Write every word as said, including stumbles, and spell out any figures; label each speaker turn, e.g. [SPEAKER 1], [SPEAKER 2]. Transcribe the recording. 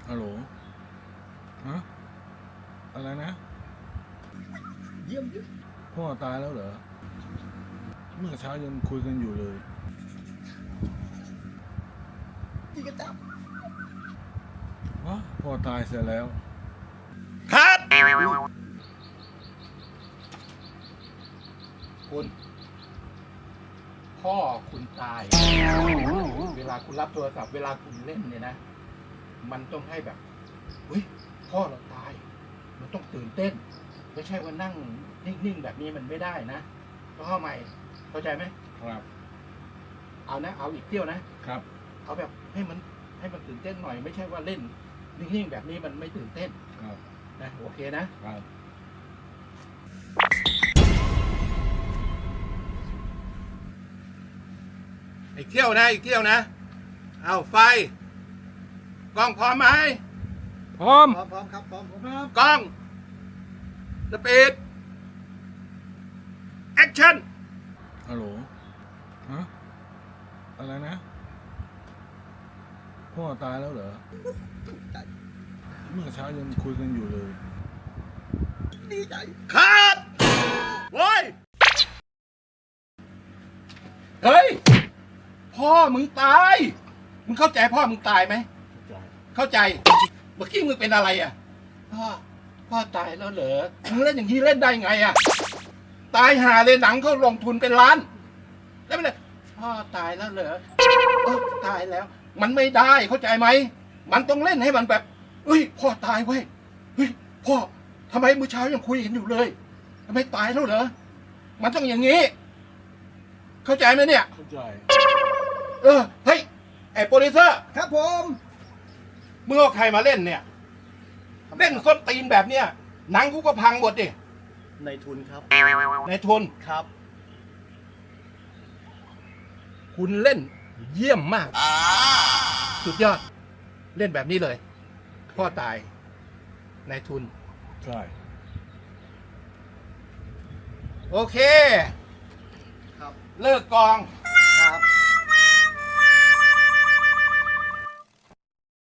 [SPEAKER 1] ฮัลโหลฮะอะไรนะ
[SPEAKER 2] เยี่ยมเยี่ยม
[SPEAKER 1] พ่อตายแล้วเหรอเมื่อเช้ายังคุยกันอยู่เลย
[SPEAKER 2] จีกระจับ
[SPEAKER 1] วะพ่อตายเสียแล้ว
[SPEAKER 2] คัดคุณพ่อคุณตายเวลาคุณรับโทรศัพท์เวลาคุณเล่นเนี่ยนะมันต้องให้แบบเฮ้ยพ่อเราตายมันต้องตื่นเต้นไม่ใช่ว่านั่งนิ่งๆแบบนี้มันไม่ได้นะต้องเข้าใหม่เข้าใจไหม
[SPEAKER 1] ครับ
[SPEAKER 2] เอานะเอาอีกเที่ยวนะครับเอาแบบให้มันให้มันตื่นเต้นหน่อยไม่ใช่ว่าเล่นนิ่งๆแบบนี้มันไม่ตื่นเต้น
[SPEAKER 1] ครับ
[SPEAKER 2] นะโอเคนะครับอีกเที่ยวนะอีกเที่ยวนะเอาไฟกล้องพร้อมไหม
[SPEAKER 1] พร้อม
[SPEAKER 2] พร้อมพร้อมครับพร้อมพร้อมกล้องสปีดแอคชั่น
[SPEAKER 1] ฮัลโหลฮะอะไรนะพ่อตายแล้วเหรอเมื่อเช้ายังคุยกันอยู่เลย
[SPEAKER 2] ดีใจคัดโว้ยเฮ้ยพ่อมึงตายมึงเข้าใจพ่อมึงตายไหมเข้าใจเมื่อกี้มึงเป็นอะไรอ่ะพ่อพ่อตายแล้วเหรอมึงเล่นอย่างนี้เล่นได้ไงอ่ะตายหาเลยหนังเขาลงทุนเป็นล้านแล้วมันเลยพ่อตายแล้วเหรอเออตายแล้วมันไม่ได้เข้าใจไหมมันต้องเล่นให้มันแบบเฮ้ยพ่อตายเว้ยเฮ้ยพ่อทำไมเมื่อเช้ายังคุยกันอยู่เลยทำไมตายแล้วเหรอมันต้องอย่างนี้เข้าใจไหมเนี่ย
[SPEAKER 1] เข้าใจ
[SPEAKER 2] เออเฮ้ยไอ้โปรดิวเซอร์
[SPEAKER 3] ครับผม
[SPEAKER 2] มึงเอาใครมาเล่นเนี่ยเล่นส้นตีนแบบเนี้ยหนังกูก็พังหมดดิ
[SPEAKER 3] ในทุนครับ
[SPEAKER 2] ในทุน
[SPEAKER 3] ครับ
[SPEAKER 2] คุณเล่นเยี่ยมมากสุดยอดเล่นแบบนี้เลยพ่อตายในทุน
[SPEAKER 1] ใช่
[SPEAKER 2] โอเค
[SPEAKER 3] ครับ
[SPEAKER 2] เลิกกอง